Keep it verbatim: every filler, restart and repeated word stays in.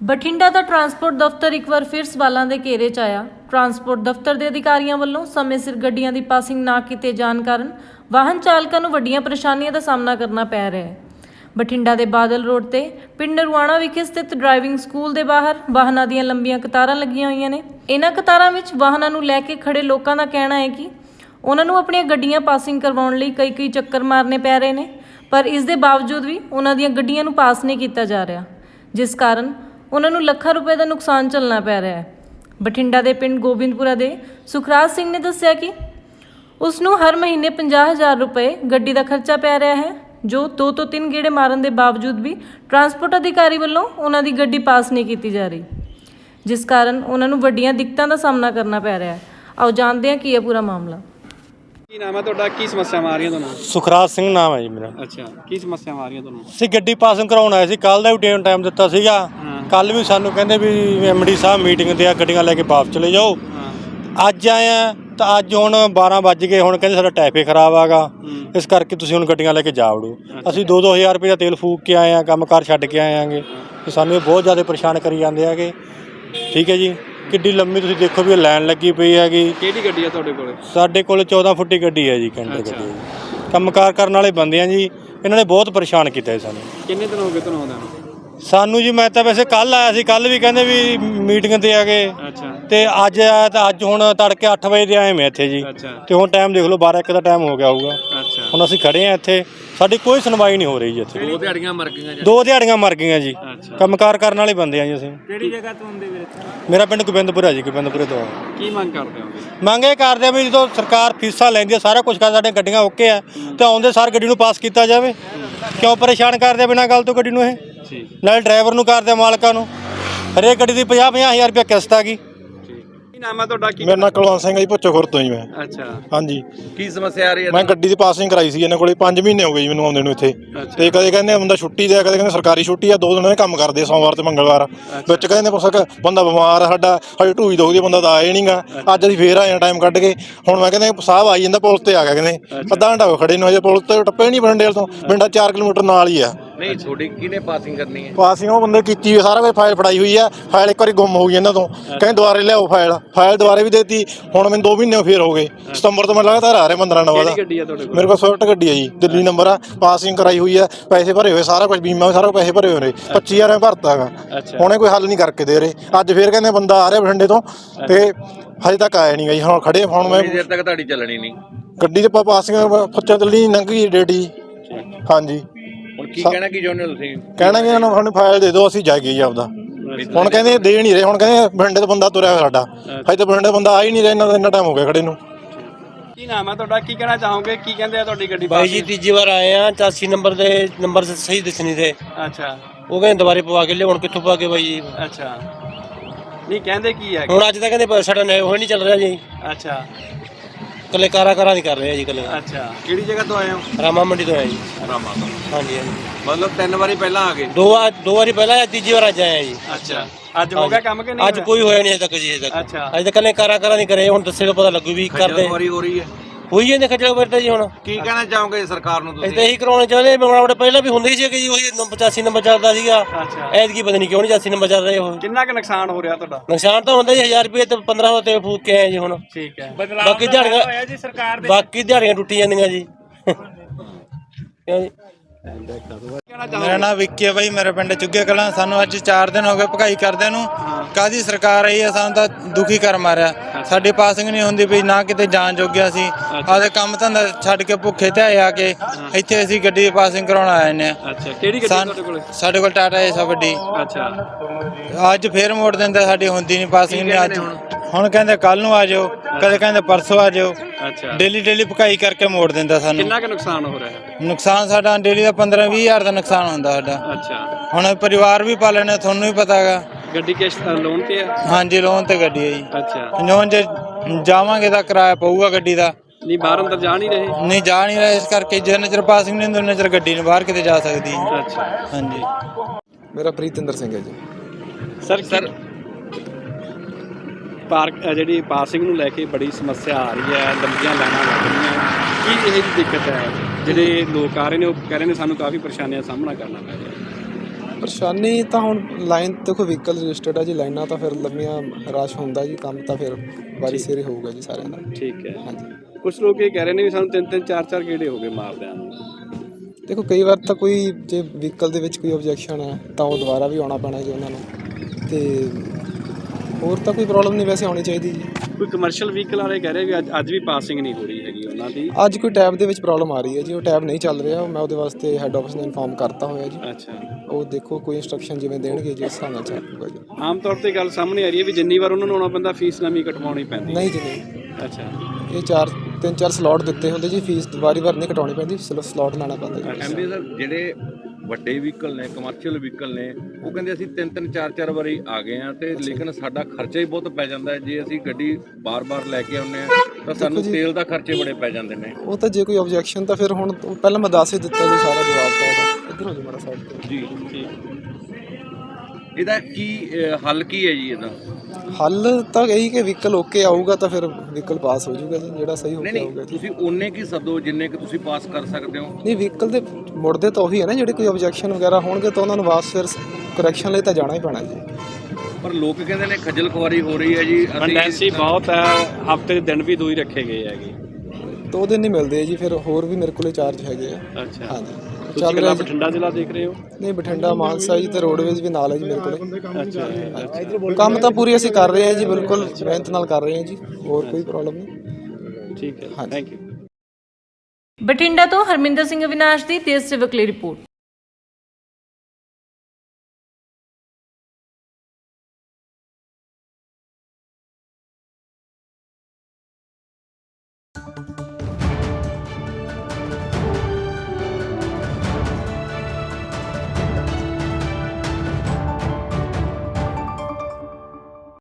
ਬਠਿੰਡਾ ਦਾ transport ਦਫ਼ਤਰ ਇੱਕ ਵਾਰ ਫਿਰ ਸਵਾਲਾਂ ਦੇ ਘੇਰੇ 'ਚ ਆਇਆ। ਟਰਾਂਸਪੋਰਟ ਦਫ਼ਤਰ ਦੇ ਅਧਿਕਾਰੀਆਂ ਵੱਲੋਂ ਸਮੇਂ ਸਿਰ ਗੱਡੀਆਂ ਦੀ ਪਾਸਿੰਗ ਨਾ ਕੀਤੇ ਜਾਣ ਕਾਰਨ ਵਾਹਨ ਚਾਲਕਾਂ ਨੂੰ ਵੱਡੀਆਂ ਪਰੇਸ਼ਾਨੀਆਂ ਦਾ ਸਾਹਮਣਾ ਕਰਨਾ ਪੈ ਰਿਹਾ ਹੈ। ਬਠਿੰਡਾ ਦੇ ਬਾਦਲ ਰੋਡ ਤੇ ਪਿੰਡ ਨਰਵਾਣਾ ਵਿਖੇ ਸਥਿਤ ਡਰਾਈਵਿੰਗ ਸਕੂਲ ਦੇ ਬਾਹਰ ਵਾਹਨਾਂ ਦੀਆਂ ਲੰਬੀਆਂ ਕਤਾਰਾਂ ਲੱਗੀਆਂ ਹੋਈਆਂ ਨੇ। ਇਹਨਾਂ ਕਤਾਰਾਂ ਵਿੱਚ ਵਾਹਨਾਂ ਨੂੰ ਲੈ ਕੇ ਖੜੇ ਲੋਕਾਂ ਦਾ ਕਹਿਣਾ ਹੈ ਕਿ ਉਹਨਾਂ ਨੂੰ ਆਪਣੀਆਂ ਗੱਡੀਆਂ ਪਾਸਿੰਗ ਕਰਵਾਉਣ ਲਈ ਕਈ ਕਈ ਚੱਕਰ ਮਾਰਨੇ ਪੈ ਰਹੇ ਨੇ, ਪਰ ਇਸ ਦੇ ਬਾਵਜੂਦ ਵੀ ਉਹਨਾਂ ਦੀਆਂ ਗੱਡੀਆਂ ਨੂੰ ਪਾਸ ਨਹੀਂ ਕੀਤਾ ਜਾ ਰਿਹਾ, ਜਿਸ ਕਾਰਨ ਉਹਨਾਂ ਨੂੰ ਲੱਖਾਂ ਰੁਪਏ ਦਾ ਨੁਕਸਾਨ ਝੱਲਣਾ ਪੈ ਰਿਹਾ ਹੈ। ਬਠਿੰਡਾ ਦੇ ਪਿੰਡ ਗੋਬਿੰਦਪੁਰਾ ਦੇ ਸੁਖਰਾਜ ਸਿੰਘ ਨੇ ਦੱਸਿਆ ਕਿ ਉਸ ਨੂੰ ਹਰ ਮਹੀਨੇ ਪੰਜਾਹ ਹਜ਼ਾਰ ਰੁਪਏ ਗੱਡੀ ਦਾ ਖਰਚਾ ਪੈ ਰਿਹਾ ਹੈ, ਜੋ ਦੋ ਤੋਂ ਤਿੰਨ ਗੇੜੇ ਮਾਰਨ ਦੇ ਬਾਵਜੂਦ ਵੀ ਟਰਾਂਸਪੋਰਟ ਅਧਿਕਾਰੀ ਵੱਲੋਂ ਉਹਨਾਂ ਦੀ ਗੱਡੀ ਪਾਸ ਨਹੀਂ ਕੀਤੀ ਜਾ ਰਹੀ, ਜਿਸ ਕਾਰਨ ਉਹਨਾਂ ਨੂੰ ਵੱਡੀਆਂ ਦਿੱਕਤਾਂ ਦਾ ਸਾਹਮਣਾ ਕਰਨਾ ਪੈ ਰਿਹਾ ਹੈ। ਆਓ ਜਾਣਦੇ ਹਾਂ ਕੀ ਹੈ ਪੂਰਾ ਮਾਮਲਾ। ਕੀ ਨਾਮ ਹੈ ਤੁਹਾਡਾ? ਕੀ ਸਮੱਸਿਆਵਾਂ ਆ ਰਹੀਆਂ ਤੁਹਾਨੂੰ? ਸੁਖਰਾਜ ਸਿੰਘ ਨਾਮ ਹੈ ਜੀ ਮੇਰਾ। ਅੱਛਾ, ਕੀ ਸਮੱਸਿਆਵਾਂ ਆ ਰਹੀਆਂ ਤੁਹਾਨੂੰ? ਅਸੀਂ ਗੱਡੀ ਪਾਸਿੰਗ ਕਰਾਉਣ ਆਏ ਸੀ, ਕੱਲ ਦਾ ਵੀ ਟਾਈਮ ਟਾਈਮ ਦਿੱਤਾ ਸੀਗਾ। ਕੱਲ ਵੀ ਸਾਨੂੰ ਕਹਿੰਦੇ ਵੀ ਐਮਡੀ ਸਾਹਿਬ ਮੀਟਿੰਗ ਤੇ ਆ, ਗੱਡੀਆਂ ਲੈ ਕੇ ਵਾਪਸ ਚਲੇ ਜਾਓ। ਅੱਜ ਆਏ ਆ ਤਾਂ ਅੱਜ ਹੁਣ ਬਾਰਾਂ ਵੱਜ ਗਏ, ਹੁਣ ਕਹਿੰਦੇ ਸਾਡਾ ਟੈਫੇ ਖਰਾਬ ਆਗਾ, ਇਸ ਕਰਕੇ ਤੁਸੀਂ ਹੁਣ ਗੱਡੀਆਂ ਲੈ ਕੇ ਜਾ ਵੜੋ। ਅਸੀਂ ਦੋ ਦੋ ਹਜ਼ਾਰ ਰੁਪਏ ਦਾ ਤੇਲ ਫੂਕ ਕੇ ਆਏ ਆ, ਕੰਮ ਕਾਰ ਛੱਡ ਕੇ ਆਏ ਆਂਗੇ ਤੇ ਸਾਨੂੰ ਇਹ ਬਹੁਤ ਜ਼ਿਆਦਾ ਪਰੇਸ਼ਾਨ ਕਰੀ ਜਾਂਦੇ ਹੈਗੇ। ਠੀਕ ਹੈ ਜੀ, ਕਿੱਡੀ ਲੰਮੀ ਤੁਸੀਂ ਦੇਖੋ ਵੀ ਲਾਈਨ ਲੱਗੀ ਪਈ ਹੈਗੀ। ਕਿਹੜੀ ਗੱਡੀ ਆ ਤੁਹਾਡੇ ਕੋਲ? ਸਾਡੇ ਕੋਲ ਚੌਦਾਂ ਫੁੱਟੀ ਗੱਡੀ ਹੈ ਜੀ, ਕੈਂਟਰ ਗੱਡੀ ਹੈ। ਕੰਮ ਕਾਰ ਕਰਨ ਵਾਲੇ ਬੰਦੇ ਆ ਜੀ, ਇਹਨਾਂ ਨੇ ਬਹੁਤ ਪਰੇਸ਼ਾਨ ਕੀਤਾ ਸਾਨੂੰ। ਕਿੰਨੇ ਦਿਨ ਹੋ ਗਏ ਤੁਹਾਨੂੰ ਆਉਂਦਿਆਂ ਨੂੰ? ਸਾਨੂੰ ਜੀ ਮੈਂ ਤਾਂ ਵੈਸੇ ਕੱਲ ਆਇਆ ਸੀ, ਕੱਲ ਵੀ ਕਹਿੰਦੇ ਵੀ ਮੀਟਿੰਗ ਤੇ ਆ ਗਏ ਅੱਛਾ, ਤੇ ਅੱਜ ਆਇਆ ਤਾਂ ਅੱਜ ਹੁਣ ਤੜਕੇ ਅੱਠ ਵਜੇ ਦੇ ਆਏ ਮੈਂ ਇੱਥੇ ਜੀ। ਅੱਛਾ, ਤੇ ਹੁਣ ਟਾਈਮ ਦੇਖ ਲਓ ਬਾਰਾਂ ਇੱਕ ਦਾ ਟਾਈਮ ਹੋ ਗਿਆ ਹੋਊਗਾ। ਅੱਛਾ, ਹੁਣ ਅਸੀਂ ਖੜੇ ਆ ਇੱਥੇ, ਸਾਡੀ ਕੋਈ ਸੁਣਵਾਈ ਨਹੀਂ ਹੋ ਰਹੀ ਜੀ ਇੱਥੇ। ਦੋ ਦਿਹਾੜੀਆਂ ਮਰ ਗਈਆਂ ਜੀ। ਦੋ ਦਿਹਾੜੀਆਂ ਮਰ ਗਈਆਂ ਜੀ। ਅੱਛਾ, ਕੰਮਕਾਰ ਕਰਨ ਵਾਲੇ ਬੰਦੇ ਆ ਜੀ ਅਸੀਂ। ਕਿਹੜੀ ਜਗ੍ਹਾ ਤੋਂ ਆਉਂਦੇ ਵੀਰੇ? ਮੇਰਾ ਪਿੰਡ ਗੋਬਿੰਦਪੁਰਾ ਜੀ, ਗੋਬਿੰਦਪੁਰੇ ਤੋਂ। ਕੀ ਮੰਗ ਕਰਦੇ ਹੋ? ਮੰਗ ਇਹ ਕਰਦੇ ਆ ਵੀ ਜਦੋਂ ਸਰਕਾਰ ਫੀਸਾਂ ਲੈਂਦੀ ਆ, ਸਾਰਾ ਕੁਝ ਕਰ, ਸਾਡੀਆਂ ਗੱਡੀਆਂ ਓਕੇ ਆ, ਤੇ ਆਉਂਦੇ ਸਾਰ ਗੱਡੀ ਨੂੰ ਪਾਸ ਕੀਤਾ ਜਾਵੇ। ਕਿਉਂ ਪਰੇਸ਼ਾਨ ਕਰਦੇ ਬਿਨਾਂ ਗੱਲ ਤੋਂ ਗੱਡੀ ਨੂੰ? ਇਹ ਨਾਲ ਡਰਾਈਵਰ ਨੂੰ ਕਰਦੇ, ਮਾਲਕਾਂ ਨੂੰ। ਹਰੇਕ ਗੱਡੀ ਦੀ ਪੰਜਾਹ ਪੰਜਾਹ ਹਜ਼ਾਰ ਰੁਪਇਆ ਕਿਸ਼ਤ ਆ ਗਈ। ਕੀ ਨਾਮ ਹੈ ਤੁਹਾਡਾ? ਕੀ ਮੇਰਾ ਨਾਮ ਕੁਲਵੰਤ ਸਿੰਘ ਹੈ ਜੀ, ਭੁੱਚੋ ਖੁਰ ਤੋਂ ਜੀ ਮੈਂ। ਅੱਛਾ, ਹਾਂਜੀ, ਕੀ ਸਮੱਸਿਆ ਆ ਰਹੀ ਹੈ? ਮੈਂ ਗੱਡੀ ਦੀ ਪਾਸਿੰਗ ਕਰਾਈ ਸੀ ਇਹਨਾਂ ਕੋਲੇ, ਪੰਜ ਮਹੀਨੇ ਹੋ ਗਏ ਜੀ ਮੈਨੂੰ ਆਉਂਦੇ ਨੂੰ ਇੱਥੇ। ਤੇ ਕਦੇ ਕਹਿੰਦੇ ਬੰਦਾ ਛੁੱਟੀ ਦੇ, ਕਦੇ ਕਹਿੰਦੇ ਸਰਕਾਰੀ ਛੁੱਟੀ ਆ, ਦੋ ਦਿਨ ਇਹ ਕੰਮ ਕਰਦੇ ਸੋਮਵਾਰ ਤੇ ਮੰਗਲਵਾਰ। ਵਿੱਚ ਕਹਿੰਦੇ ਕੁਛ ਬੰਦਾ ਬਿਮਾਰ ਆ ਸਾਡਾ, ਹਜੇ ਢੂਈ ਦੁਖਦੀ, ਬੰਦਾ ਤਾਂ ਆਏ ਨਹੀਂਗਾ। ਅੱਜ ਅਸੀਂ ਫੇਰ ਆਏ ਆ ਟਾਈਮ ਕੱਢ ਕੇ। ਹੁਣ ਮੈਂ ਕਹਿੰਦੇ ਸਾਹਿਬ ਆਈ ਜਾਂਦਾ, ਪੁਲ ਤੇ ਆ ਗਿਆ, ਕਹਿੰਦੇ ਅੱਧਾ ਘੰਟਾ ਹੋ ਖੜੇ ਨੂੰ, ਹਜੇ ਪੁਲ ਤੇ ਟੱਪੇ ਨਹੀਂ ਬਠਿੰਡੇ ਤੋਂ। ਪਿੰਡਾ ਚਾਰ ਕਿਲੋਮੀਟਰ ਨਾਲ ਹੀ ਆ। ਨਹੀਂ, ਤੁਹਾਡੀ ਕਿਹਨੇ ਪਾਸਿੰਗ ਕਰਨੀ ਹੈ? ਪਾਸਿੰਗ ਉਹ ਬੰਦੇ ਕੀਤੀ ਹੋਈ, ਸਾਰਾ ਕੁਝ ਫਾਈਲ ਫੜਾਈ ਹੋਈ ਆ। ਫਾਈਲ ਇੱਕ ਵਾਰੀ ਗੁੰਮ ਹੋ ਗਈ ਇਹਨਾਂ ਤੋਂ, ਕਹਿੰਦੇ ਦੁਬਾਰੇ ਲਿਆਓ ਫਾਈਲ। ਫਾਈਲ ਦੁਬਾਰੇ ਵੀ ਦੇਤੀ। ਹੁਣ ਮੈਨੂੰ ਦੋ ਮਹੀਨੇ ਫੇਰ ਹੋ ਗਏ, ਸਤੰਬਰ ਤੋਂ ਮੈਂ ਲਗਾਤਾਰ ਆ ਰਿਹਾ ਪੰਦਰਾਂ ਨਵਾਂ ਦਾ। ਮੇਰੇ ਕੋਲ ਸਵਿਫਟ ਗੱਡੀ ਆ ਜੀ, ਦਿੱਲੀ ਨੰਬਰ ਆ, ਪਾਸਿੰਗ ਕਰਾਈ ਹੋਈ ਆ, ਪੈਸੇ ਭਰੇ ਹੋਏ, ਸਾਰਾ ਕੁਝ ਬੀਮਾ ਸਾਰਾ ਪੈਸੇ ਭਰੇ ਹੋਏ ਨੇ। ਪੱਚੀ ਹਜ਼ਾਰ ਮੈਂ ਭਰਤਾ ਹੈਗਾ, ਹੁਣੇ ਕੋਈ ਹੱਲ ਨਹੀਂ ਕਰਕੇ ਦੇ ਰਹੇ। ਅੱਜ ਫੇਰ ਕਹਿੰਦੇ ਬੰਦਾ ਆ ਰਿਹਾ ਬਠਿੰਡੇ ਤੋਂ, ਤੇ ਹਜੇ ਤੱਕ ਆਇਆ ਨਹੀਂ ਗਾ ਜੀ। ਹੁਣ ਖੜੇ, ਹੁਣ ਮੈਂ ਦੇਰ ਤੱਕ ਤੁਹਾਡੀ ਚੱਲਣੀ ਨਹੀਂ ਗੱਡੀ ਤੇ ਪਾਸਿੰਗ ਖੁੱਚਾ ਚੱਲੀ ਲੰਘੀ ਡੇਟ ਜੀ। ਹਾਂਜੀ, ਹੁਣ ਕੀ ਕਹਿਣਾ ਕੀ ਚਾਹੁੰਦੇ ਹੋ ਤੁਸੀਂ? ਕਹਿਣਾ ਕਿ ਇਹਨਾਂ ਨੂੰ ਸਾਨੂੰ ਫਾਈਲ ਦੇ ਦਿਓ, ਅਸੀਂ ਜਾਈਏ ਜੀ ਆਪਦਾ। ਹੁਣ ਕਹਿੰਦੇ ਦੇ ਨਹੀਂ ਰਹੇ, ਹੁਣ ਕਹਿੰਦੇ ਬਠਿੰਡੇ ਤੋਂ ਬੰਦਾ ਤੁਰਿਆ ਸਾਡਾ, ਹਜੇ ਤਾਂ ਬਠਿੰਡੇ ਬੰਦਾ ਆ ਹੀ ਨਹੀਂ ਰਿਹਾ। ਇਹਨਾਂ ਦਾ ਇੰਨਾ ਟਾਈਮ ਹੋ ਗਿਆ ਖੜੇ ਨੂੰ। ਕੀ ਨਾਮ ਹੈ ਤੁਹਾਡਾ? ਕੀ ਕਹਿਣਾ ਚਾਹੋਗੇ? ਕੀ ਕਹਿੰਦੇ ਆ ਤੁਹਾਡੀ ਗੱਡੀ? ਬਾਈ ਜੀ ਤੀਜੀ ਵਾਰ ਆਏ ਆ, ਚਾਸੀ ਨੰਬਰ ਦੇ ਨੰਬਰ ਸਹੀ ਦਿਸ ਨਹੀਂ ਥੇ। ਅੱਛਾ, ਉਹ ਕਹਿੰਦੇ ਦੁਬਾਰੇ ਪਵਾ ਕੇ ਲਿਆ, ਹੁਣ ਕਿੱਥੋਂ ਪਵਾ ਕੇ ਬਾਈ ਜੀ? ਅੱਛਾ, ਨਹੀਂ ਕਹਿੰਦੇ ਕੀ ਹੈ? ਹੁਣ ਅੱਜ ਤਾਂ ਕਹਿੰਦੇ ਸਾਡਾ ਨੇ ਉਹ ਨਹੀਂ ਚੱਲ ਰਿਹਾ ਜੀ। ਅੱਛਾ, ਕੱਲੇ ਕਾਰਾ ਕਾਰਾ ਨਹੀਂ ਕਰ ਰਹੇ ਜੀ ਕੱਲੇ। ਅੱਛਾ, ਕਿਹੜੀ ਜਗ੍ਹਾ ਤੋਂ ਆਏ ਹੋ? ਰਾਮਾ ਮੰਡੀ ਤੋਂ ਆਏ ਜੀ। ਰਾਮਾ ਤੋਂ? ਹਾਂਜੀ ਹਾਂਜੀ, ਮਤਲਬ ਤਿੰਨ ਵਾਰੀ ਪਹਿਲਾਂ ਆ ਗਏ? ਦੋ ਵਾਰ ਦੋ ਵਾਰੀ ਪਹਿਲਾਂ ਆਏ, ਤੀਜੀ ਵਾਰ ਅੱਜ ਆਏ ਆ ਜੀ। ਅੱਛਾ, ਅੱਜ ਹੋ ਗਿਆ ਕੰਮ ਕਿ ਨਹੀਂ? ਅੱਜ ਕੋਈ ਹੋਇਆ ਨਹੀਂ ਅਜੇ ਤੱਕ ਜੀ, ਅਜੇ ਤੱਕ। ਅੱਛਾ, ਅੱਜ ਤੱਕ ਕੱਲੇ ਕਾਰਾ ਕਾਰਾ ਨਹੀਂ ਕਰੇ, ਹੁਣ ਦੱਸੇ ਤੋਂ ਪਤਾ ਲੱਗੂ ਵੀ ਕਰਦੇ ਹੋ ਰਹੀ ਹੈ। ਹੋਈ ਜਾਂਦੇ ਖੱਜਲ ਵਰਤੇ ਜੀ। ਹੁਣ ਕੀ ਕਹਿਣਾ ਚਾਹੋਗੇ ਸਰਕਾਰ ਨੂੰ ਅਸੀਂ ਤੁਸੀਂ? ਤਾਂ ਇਹੀ ਕਰਾਉਣੇ ਚਾਹੁੰਦੇ, ਮਾੜਾ ਪਹਿਲਾਂ ਵੀ ਹੁੰਦੇ ਸੀ ਕਿ ਜੀ ਉਹੀ ਪਚਾਸੀ ਨੰਬਰ ਚੱਲਦਾ ਸੀਗਾ। ਅੱਛਾ, ਐਤਕੀ ਪਤਾ ਨਹੀਂ ਕਿਉਂ ਨਹੀਂ ਚਾਸੀ ਨੰਬਰ ਚੱਲ ਰਹੇ। ਉਹ ਕਿੰਨਾ ਕੁ ਨੁਕਸਾਨ ਹੋ ਰਿਹਾ ਤੁਹਾਡਾ? ਨੁਕਸਾਨ ਤਾਂ ਹੁੰਦਾ ਜੀ, ਹਜ਼ਾਰ ਰੁਪਏ ਤੇ ਪੰਦਰਾਂ ਸੌ ਤੇ ਫੂਕ ਕੇ ਆਏ ਜੀ ਹੁਣ। ਠੀਕ ਹੈ, ਬਾਕੀ ਦਿਹਾੜੀਆਂ ਜੀ ਸਰਕਾਰ ਦੇ, ਬਾਕੀ ਦਿਹਾੜੀਆਂ ਟੁੱਟੀ ਜਾਂਦੀਆਂ ਜੀ। ਕਿਉਂ ਜੀ? ਮੇਰਾ ਨਾਮ ਵਿੱਕੀ ਹੈ ਬਾਈ, ਮੇਰਾ ਪਿੰਡ ਚੁੱਗੇ ਕਲਾਂ। ਸਾਨੂੰ ਅੱਜ ਚਾਰ ਦਿਨ ਹੋ ਗਏ ਭਗਾਈ ਕਰਦਿਆਂ ਨੂੰ। ਕਾਹਦੀ ਸਰਕਾਰ ਆਈ ਹੈ, ਸਾਨੂੰ ਤਾਂ ਦੁਖੀ ਕਰ ਮਾਰਿਆ। ਸਾਡੀ ਪਾਸਿੰਗ ਨਹੀਂ ਹੁੰਦੀ ਪਈ, ਨਾ ਕਿਤੇ ਜਾਣ ਜੋਗਿਆ ਸੀ। ਆਪਦੇ ਕੰਮ ਧੰਦਾ ਛੱਡ ਕੇ ਭੁੱਖੇ ਤੇ ਆਏ ਆ ਕੇ ਇੱਥੇ ਅਸੀਂ ਗੱਡੀ ਦੀ ਪਾਸਿੰਗ ਕਰਾਉਣ ਆਏ ਨੇ। ਅੱਛਾ, ਕਿਹੜੀ ਗੱਡੀ ਤੁਹਾਡੇ ਕੋਲ? ਸਾਡੇ ਕੋਲ ਟਾਟਾ ਏ ਸਭ ਵੱਡੀ। ਅੱਛਾ, ਅੱਜ ਫੇਰ ਮੋੜ ਦਿੰਦੇ, ਸਾਡੀ ਹੁੰਦੀ ਨਹੀਂ ਪਾਸਿੰਗ ਨਹੀਂ। ਅੱਜ ਹੁਣ ਕਹਿੰਦੇ ਕੱਲ ਨੂੰ ਆ ਜਾਓ, ਕਦੇ ਕਹਿੰਦੇ ਪਰਸੋਂ ਆ ਜਾਓ। ਅੱਛਾ, ਡੇਲੀ ਡੇਲੀ ਭਕਾਈ ਕਰਕੇ ਮੋੜ ਦਿੰਦਾ ਸਾਨੂੰ। ਕਿੰਨਾ ਕੁ ਨੁਕਸਾਨ ਹੋ ਰਿਹਾ ਹੈ? ਨੁਕਸਾਨ ਸਾਡਾ ਡੇਲੀ ਦਾ ਪੰਦਰਾਂ ਵੀਹ ਹਜ਼ਾਰ ਦਾ ਨੁਕਸਾਨ ਹੁੰਦਾ ਸਾਡਾ। ਅੱਛਾ, ਹੁਣ ਪਰਿਵਾਰ ਵੀ ਪਾਲਣੇ, ਤੁਹਾਨੂੰ ਵੀ ਪਤਾ ਹੈਗਾ। ਗੱਡੀ ਕਿਸ਼ਤ ਲੋਨ ਤੇ ਹੈ? ਹਾਂਜੀ, ਲੋਨ ਤੇ ਗੱਡੀ ਹੈ ਜੀ। ਅੱਛਾ, ਲੋਨ ਜੇ ਜਾਵਾਂਗੇ ਤਾਂ ਕਿਰਾਇਆ ਪਊਗਾ ਗੱਡੀ ਦਾ। ਨਹੀਂ, ਬਾਹਰ ਅੰਦਰ ਜਾ ਨਹੀਂ ਰਹੇ? ਨਹੀਂ ਜਾ ਨਹੀਂ ਰਹੇ, ਇਸ ਕਰਕੇ ਜਿੰਨੇ ਚਿਰ ਪਾਸਿੰਗ ਨਹੀਂ ਹੁੰਦੀ ਉਨੇ ਚਿਰ ਗੱਡੀ ਨਹੀਂ ਬਾਹਰ ਕਿਤੇ ਜਾ ਸਕਦੀ। ਅੱਛਾ, ਹਾਂਜੀ, ਮੇਰਾ ਪ੍ਰੀਤਿੰਦਰ ਸਿੰਘ ਹੈ ਜੀ। ਸਰ ਸਰ ਪਾਰਕ ਜਿਹੜੀ ਪਾਸਿੰਗ ਨੂੰ ਲੈ ਕੇ ਬੜੀ ਸਮੱਸਿਆ ਆ ਰਹੀ ਹੈ, ਲੰਬੀਆਂ ਲਾਈਨਾਂ ਲੱਗ ਰਹੀਆਂ, ਕੀ ਇਹ ਜਿਹੀ ਦਿੱਕਤ ਹੈ? ਜਿਹੜੇ ਲੋਕ ਆ ਰਹੇ ਨੇ ਉਹ ਕਹਿ ਰਹੇ ਨੇ ਸਾਨੂੰ ਕਾਫੀ ਪਰੇਸ਼ਾਨੀਆਂ ਦਾ ਸਾਹਮਣਾ ਕਰਨਾ ਪੈ ਰਿਹਾ। ਪਰੇਸ਼ਾਨੀ ਤਾਂ ਹੁਣ ਲਾਈਨ ਦੇਖੋ ਵਹੀਕਲ ਰਜਿਸਟਰਡ ਆ ਜੀ, ਲਾਈਨਾਂ ਤਾਂ ਫਿਰ ਲੰਮੀਆਂ ਰਸ਼ ਹੁੰਦਾ ਜੀ, ਕੰਮ ਤਾਂ ਫਿਰ ਵਾਰੀ ਸਿਰੇ ਹੋਊਗਾ ਜੀ ਸਾਰਿਆਂ ਦਾ। ਠੀਕ ਹੈ। ਹਾਂਜੀ ਕੁਝ ਲੋਕ ਇਹ ਕਹਿ ਰਹੇ ਨੇ ਵੀ ਸਾਨੂੰ ਤਿੰਨ ਤਿੰਨ ਚਾਰ ਚਾਰ ਗੇੜੇ ਹੋ ਗਏ ਮਾਰਦਿਆਂ ਨੂੰ। ਦੇਖੋ ਕਈ ਵਾਰ ਤਾਂ ਕੋਈ ਜੇ ਵਹੀਕਲ ਦੇ ਵਿੱਚ ਕੋਈ ਓਬਜੈਕਸ਼ਨ ਹੈ ਤਾਂ ਉਹ ਦੁਬਾਰਾ ਵੀ ਆਉਣਾ ਪੈਣਾ ਜੀ ਉਹਨਾਂ ਨੂੰ, ਅਤੇ ਹੋਰ ਤਾਂ ਕੋਈ ਪ੍ਰੋਬਲਮ ਨਹੀਂ ਵੈਸੇ ਆਉਣੀ ਚਾਹੀਦੀ ਜੀ। ਕੋਈ ਕਮਰਸ਼ੀਅਲ ਵਹੀਕਲ ਵਾਲੇ ਕਹਿ ਰਹੇ ਵੀ ਅੱਜ ਅੱਜ ਵੀ ਪਾਸਿੰਗ ਨਹੀਂ ਹੋ ਰਹੀ ਹੈਗੀ ਉਹਨਾਂ ਦੀ। ਅੱਜ ਕੋਈ ਟੈਬ ਦੇ ਵਿੱਚ ਪ੍ਰੋਬਲਮ ਆ ਰਹੀ ਹੈ ਜੀ, ਉਹ ਟੈਬ ਨਹੀਂ ਚੱਲ ਰਿਹਾ, ਮੈਂ ਉਹਦੇ ਵਾਸਤੇ ਹੈੱਡ ਆਫਿਸ ਨੂੰ ਇਨਫੋਰਮ ਕਰਤਾ ਹੋਇਆ ਜੀ। ਅੱਛਾ। ਉਹ ਦੇਖੋ ਕੋਈ ਇੰਸਟਰਕਸ਼ਨ ਜਿਵੇਂ ਦੇਣਗੇ ਜਿਸ ਹਿਸਾਬ ਨਾਲ ਚੱਲ ਪਊਗਾ ਜੀ। ਆਮ ਤੌਰ ਤੇ ਗੱਲ ਸਾਹਮਣੇ ਆ ਰਹੀ ਹੈ ਵੀ ਜਿੰਨੀ ਵਾਰ ਉਹਨਾਂ ਨੂੰ ਆਉਣਾ ਪੈਂਦਾ ਫੀਸ ਨਵੀਂ ਕਟਵਾਉਣੀ ਪੈਂਦੀ। ਨਹੀਂ ਜੀ ਨਹੀਂ, ਅੱਛਾ। ਇਹ ਚਾਰ ਤਿੰਨ ਚਾਰ ਸਲੋਟ ਦਿੱਤੇ ਹੁੰਦੇ ਜੀ, ਫੀਸ ਵਾਰੀ ਵਾਰ ਨਹੀਂ ਕਟਾਉਣੀ ਪੈਂਦੀ, ਸਿਰਫ ਸਲੋਟ ਲੈਣਾ ਪੈਂਦਾ ਜੀ। ਐਮਬੀ ਸਰ ਜਿਹੜੇ ਵੱਡੇ ਵਹੀਕਲ ਨੇ, ਕਮਰਸ਼ੀਅਲ ਵਹੀਕਲ ਨੇ, ਉਹ ਕਹਿੰਦੇ ਅਸੀਂ ਤਿੰਨ ਤਿੰਨ ਚਾਰ ਚਾਰ ਵਾਰੀ ਆ ਗਏ ਆ ਤੇ ਲੇਕਿਨ ਸਾਡਾ ਖਰਚਾ ਹੀ ਬਹੁਤ ਪੈ ਜਾਂਦਾ ਹੈ। ਜੇ ਅਸੀਂ ਗੱਡੀ ਬਾਰ-ਬਾਰ ਲੈ ਕੇ ਆਉਂਦੇ ਆ ਤਾਂ ਸਾਨੂੰ ਤੇਲ ਦਾ ਖਰਚੇ ਬੜੇ ਪੈ ਜਾਂਦੇ ਨੇ। ਉਹ ਤਾਂ ਜੇ ਕੋਈ ਓਬਜੈਕਸ਼ਨ ਤਾਂ ਫਿਰ ਹੁਣ ਉਹ ਪਹਿਲਾਂ ਮੈਂ ਦੱਸ ਹੀ ਦਿੱਤਾ ਜੀ ਸਾਰਾ ਜਵਾਬ ਤਾਂ ਉਹਦਾ। ਇੱਧਰ ਹੋ ਜੀ ਮਾੜਾ ਸਾਈਡ ਤੇ। ਜੀ ਠੀਕ। ਇਹਦਾ ਕੀ ਅਹ, ਹੱਲ ਕੀ ਹੈ ਜੀ ਇਹਦਾ? ਹੱਲ ਤਾਂ ਇਹੀ ਕਿ ਵਹੀਕਲ ਓਕੇ ਆਊਗਾ ਤਾਂ ਫਿਰ ਵਹੀਕਲ ਪਾਸ ਹੋ ਜਾਊਗਾ ਜੀ, ਜਿਹੜਾ ਸਹੀ ਹੋ ਨਹੀਂ ਕੇ ਨਹੀਂ, ਆਊਗਾ ਜੀ। ਤੁਸੀਂ ਓਨੇ ਕੀ ਸੱਦੋ ਜਿੰਨੇ ਕਿ ਤੁਸੀਂ ਪਾਸ ਕਰ ਸਕਦੇ ਹੋ। ਨਹੀਂ ਵਹੀਕਲ ਦੇ ਮੁੜਦੇ ਤਾਂ ਉਹੀ ਹੈ ਨਾ, ਜਿਹੜੇ ਕੋਈ ਓਬਜੈਕਸ਼ਨ ਵਗੈਰਾ ਹੋਣਗੇ ਤਾਂ ਉਹਨਾਂ ਨੂੰ ਵਾਪਸ ਫਿਰ ਕਰੈਕਸ਼ਨ ਲਈ ਤਾਂ ਜਾਣਾ ਹੀ ਪੈਣਾ ਜੀ। ਪਰ ਲੋਕ ਕਹਿੰਦੇ ਨੇ ਖੱਜਲ ਖੁਆਰੀ ਹੋ ਰਹੀ ਹੈ ਜੀ। ਕੰਡੈਂਸੀ ਬਹੁਤ ਹੈ, ਹਫਤੇ ਦੇ ਦਿਨ ਵੀ ਦੋ ਹੀ ਰੱਖੇ ਗਏ ਹੈਗੇ। ਦੋ ਦਿਨ ਨਹੀਂ ਮਿਲਦੇ ਜੀ, ਫਿਰ ਹੋਰ ਵੀ ਮੇਰੇ ਕੋਲੇ ਚਾਰਜ ਹੈਗੇ ਆ। ਅੱਛਾ। ਹਾਂਜੀ ਤੁਸੀਂ ਕਿਹੜਾ ਬਠਿੰਡਾ ਜ਼ਿਲ੍ਹਾ ਦੇਖ ਰਹੇ ਹੋ? ਨਹੀਂ ਬਠਿੰਡਾ ਮਾਨਸਾ ਜੀ ਤੇ ਰੋਡਵੇਜ਼ ਵੀ ਨਾਲ ਹੈ ਜੀ ਮੇਰੇ ਕੋਲੇ। ਅੱਛਾ। ਕੰਮ ਤਾਂ ਪੂਰੀ ਅਸੀਂ ਕਰ ਰਹੇ ਹਾਂ ਜੀ, ਬਿਲਕੁਲ ਮਿਹਨਤ ਨਾਲ ਕਰ ਰਹੇ ਹਾਂ ਜੀ, ਹੋਰ ਕੋਈ ਪ੍ਰੋਬਲਮ ਨਹੀਂ। ਠੀਕ ਹੈ, ਥੈਂਕ ਯੂ। ਬਠਿੰਡਾ ਤੋਂ ਹਰਮਿੰਦਰ ਸਿੰਘ ਅਵਿਨਾਸ਼ ਦੀ ਦੇਸ਼ ਸੇਵਕ ਲਈ ਰਿਪੋਰਟ।